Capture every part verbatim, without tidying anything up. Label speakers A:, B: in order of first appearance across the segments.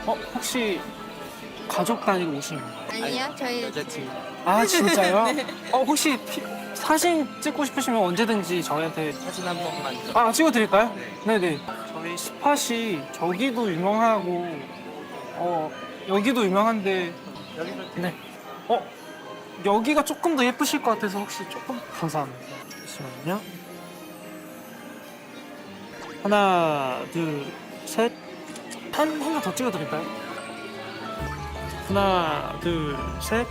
A: 어, 혹시 가족 단위로 오신 건가요?
B: 아니요, 저희
C: 여자친구.
A: 아, 진짜요?
C: 네.
A: 어, 혹시 피- 사진 찍고 싶으시면 언제든지 저희한테
C: 사진 한 번만.
A: 아, 찍어드릴까요? 네네. 저희 스팟이 저기도 유명하고 어, 여기도 유명한데
C: 여기서
A: 네. 어, 여기가 조금 더 예쁘실 것 같아서 혹시 조금 감사합니다. 잠시만요. 하나, 둘, 셋. 한 하나 더 찍어드릴까요? 하나, 둘, 셋.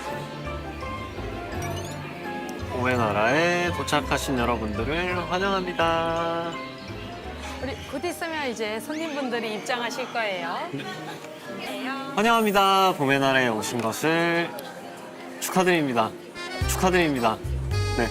D: 봄의 나라에 도착하신 여러분들을 환영합니다.
E: 우리 곧 있으면 이제 손님분들이 입장하실 거예요.
D: 환영합니다. 봄의 나라에 오신 것을 축하드립니다. 축하드립니다. 네.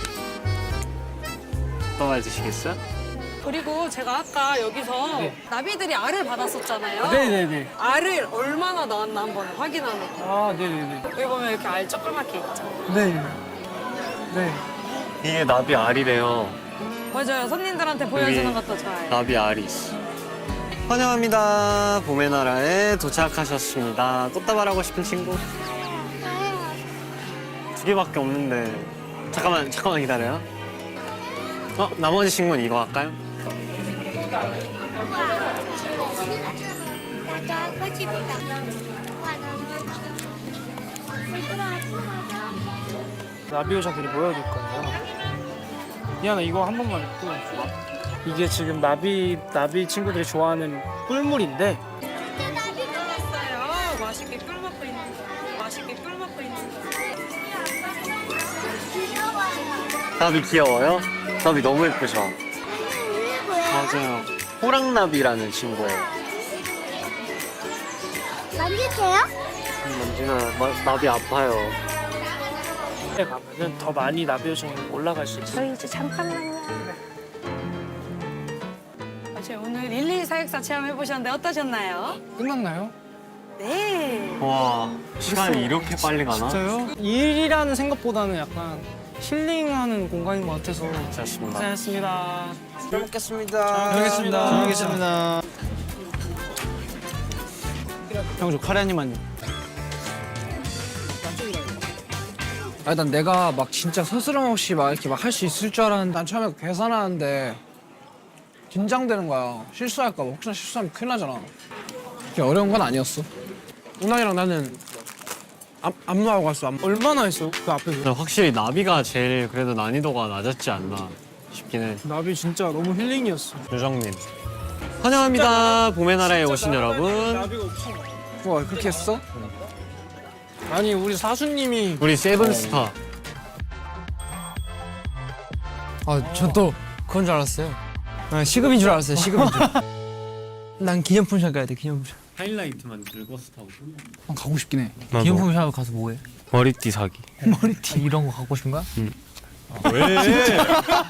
D: 어떤 말 드시겠어요?
E: 그리고 제가 아까 여기서
A: 네.
E: 나비들이 알을 받았었잖아요.
A: 네네네.
E: 알을 얼마나 낳았나 한번 확인하는 거.
A: 아, 네네네.
E: 여기 보면 이렇게 알 조그맣게 있죠.
A: 네. 네.
D: 이게 나비 알이래요.
E: 맞아요. 손님들한테 보여주는 것도 좋아요.
D: 나비 알이 있어. 환영합니다. 봄의 나라에 도착하셨습니다. 꽃다발하고 싶은 친구? 두 개밖에 없는데. 잠깐만, 잠깐만 기다려요. 어, 나머지 친구는 이거 할까요?
A: 나비 여자들이 모여들 거예요. 미안해, 이거 한 번만 입고. 이게 지금 나비 나비 친구들이 좋아하는 꿀물인데
E: 있어요. 맛있게 꿀 먹고 있는 거. 맛있게 꿀 먹고 있는 거.
D: 나비 귀여워요? 나비 너무 예쁘죠? 맞아요. 호랑나비라는 친구예요.
B: 만질게요?
D: 만지면 마- 나비 아파요.
A: 에 가면은 더 많이 나비 여정이 올라갈 수 있어요.
E: 저희 이제 잠깐만요. 아, 제가 오늘 일일 사육사 체험해 보셨는데 어떠셨나요?
A: 끝났나요?
E: 네.
D: 와, 시간이
A: 벌써-
D: 이렇게 빨리 가나?
A: 진짜요? 일이라는 생각보다는 약간 힐링하는 공간인 것 같아서
D: 고생하셨습니다.
A: 고생하셨습니다.
C: 잘 먹겠습니다.
A: 잘 먹겠습니다.
C: 잘 먹겠습니다. 형, 저 카레 한 입만요. 아, 난 내가 막 진짜 스스럼 없이 막 이렇게 막 할 수 있을 줄 알았는데 난 처음에 계산하는데 긴장되는 거야. 실수할까 봐. 혹시나 실수하면 큰일 나잖아. 그게 어려운 건 아니었어. 운항이랑 나는 안, 안무하고 갔어. 안무.
A: 얼마나 했어? 그 앞에서?
D: 근데 확실히 나비가 제일 그래도 난이도가 낮았지 않나 싶긴 해.
A: 나비 진짜 너무 힐링이었어.
D: 유정님. 환영합니다. 봄의 나라에 오신 여러분.
A: 나비가 없어.
C: 와, 그렇게 했어?
A: 아니 우리 사수님이
D: 우리 세븐스타.
C: 아, 전 또 그건 줄 알았어요. 아, 시급인 줄 알았어요. 시급인 줄. 난 기념품샵 가야 돼. 기념품샵.
D: 하이라이트만 들고 스타고.
C: 아, 가고 싶긴 해.
D: 나도.
C: 기념품샵 가서 뭐해?
D: 머리띠 사기.
C: 머리띠 이런 거 갖고 싶은 거야?
D: 왜?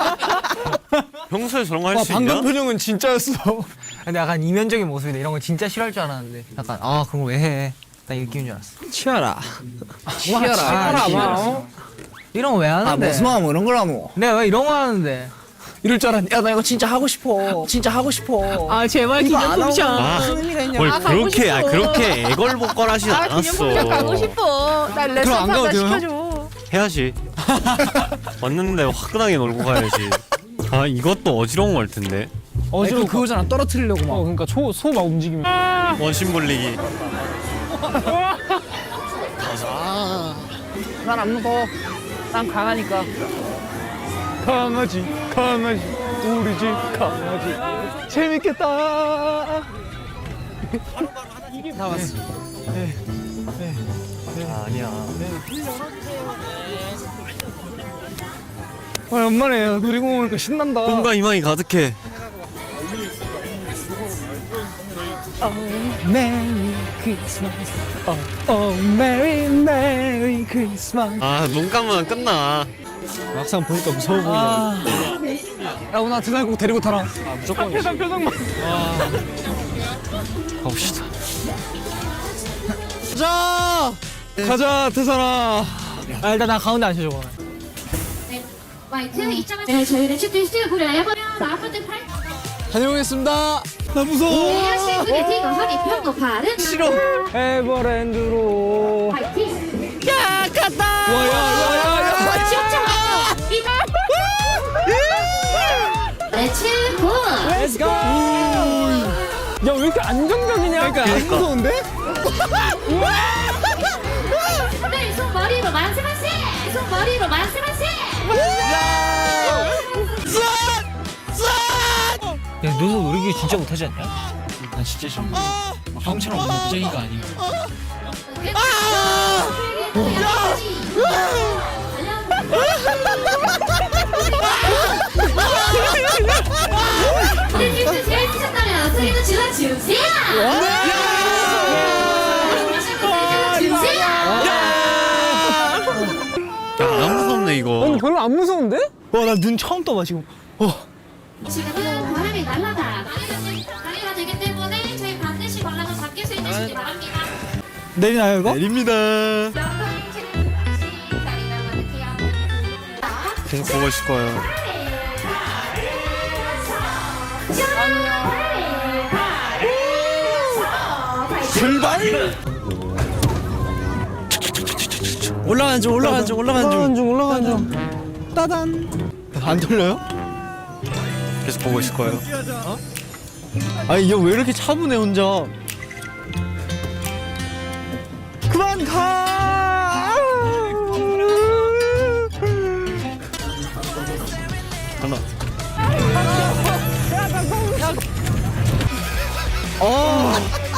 D: 평소에 저런 거 할 수 있냐?
C: 표정은 진짜였어. 근데 약간 이면적인 모습인데 이런 거 진짜 싫어할 줄 알았는데 약간 아 그런 거 왜 해? 나 이 느낌인 줄 알았어. 치아라. 치아라.
A: 치아라, 막, 어?
C: 이런 거 왜 하는데?
F: 아, 무슨 마음 이런 걸 하노?
C: 내가 왜 이런 거 하는데? 이럴 줄 알았는데 야 나 이거 진짜 하고 싶어. 진짜 하고 싶어.
F: 아, 제발 기념품샵.
D: 아,
F: 무슨 의미가 있냐?
D: 뭘
F: 아, 가고
D: 그렇게 아
F: 싶어.
D: 그렇게 애걸복걸하진
F: 아,
D: 않았어.
F: 기념품샵 가고 싶어. 나 레슨
C: 안 가도
F: 하나
C: 돼요,
F: 시켜줘.
D: 해야지. 왔는데 화끈하게 놀고 가야지. 아 이것도 어지러운 걸 텐데.
C: 어지러워 그거잖아. 떨어뜨리려고 막.
A: 어 그러니까 초 소 막 움직이면
D: 원심 굴리기.
C: 난 안 무서워. 난 강하니까.
A: 강아지 강아지 우리 집 강아지 재밌겠다.
C: 다 왔어.
D: 아, 아니야.
A: 아, 연말에 놀이공원 오니까 신난다.
D: 꿈과 희망이 가득해.
A: 메리 크리스마스. 어, 메리 메리 크리스마스.
D: 아 눈 감으면 끝나.
C: 막상 보니까 무서워 보이네.
A: 아,
C: 야 오늘 드날 꼭 데리고 타라.
A: 아 무조건 표정 표정만.
D: 가봅시다.
C: 가자. 가자 태산아. 아 일단 나 가운데 앉혀줘.
B: 네, 마이크 입장하세요. 네, 저희는 슈팅 스틸 구려요. 아파트 팔.
C: 다녀오겠습니다. 나 무서워.
B: 你要幸福的这个和你朋友爬的
C: 싫어. 에버랜드로. 야, 갔다. 와, 야, 야, 야, 야.
B: 렛츠 고!
C: Let's go. 야, 왜 이렇게 안정적이냐? 그러니까 안 무서운데?
B: 네, 손머리로 만세만세! 손머리로 만세만세!
G: 야, 너도 놀이기 진짜 못하지 않냐? 난 진짜 싫어. 형처럼 겁쟁이가 아니야.
B: 우리 팀도 재밌으셨다면 소리도 질러주세요! 질러주세요!
D: 야안 무섭네 이거.
C: 별로 안 무서운데?
F: 와, 나 눈 처음 떠봐, 지금.
B: 지금은 바람이 날아가 다리가 되기 때문에 저희 반드시 발라서 잡힐 수 있으시기 바랍니다.
F: 내리나요, 이거?
D: 내립니다. 계속 보고 있을 거예요.
F: 출발! 올라간 중, 올라간 중, 올라간 중.
C: 중, 올라간 중.
F: 따단. 안 돌려요?
D: 계속 보고 있을 거예요.
F: 아니, 얘 왜 이렇게 차분해, 혼자. 그만 가!
D: 하나.
F: 어.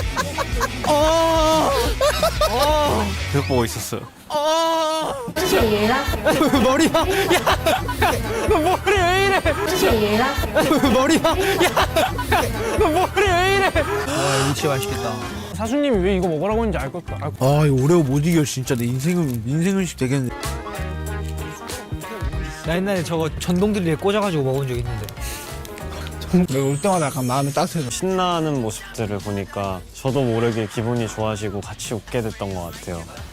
F: 어.
D: 계속 보고 있었어요.
F: 어. 머리야. 야. 너 머리 왜 이래? 머리야. 야. 너 머리 왜 이래?
C: 와, 이거 진짜 맛있겠다. 사수님이 왜 이거 먹으라고 했는지 알 것 같아. 알 것
F: 아, 이거 오레오 못 이겨, 진짜. 내 인생은, 인생은식 되겠네.
G: 나 옛날에 저거 전동드릴에 꽂아가지고 먹은 적 있는데.
C: 내가 올 때마다 약간 마음이 따뜻해져.
D: 신나는 모습들을 보니까 저도 모르게 기분이 좋아지고 같이 웃게 됐던 것 같아요.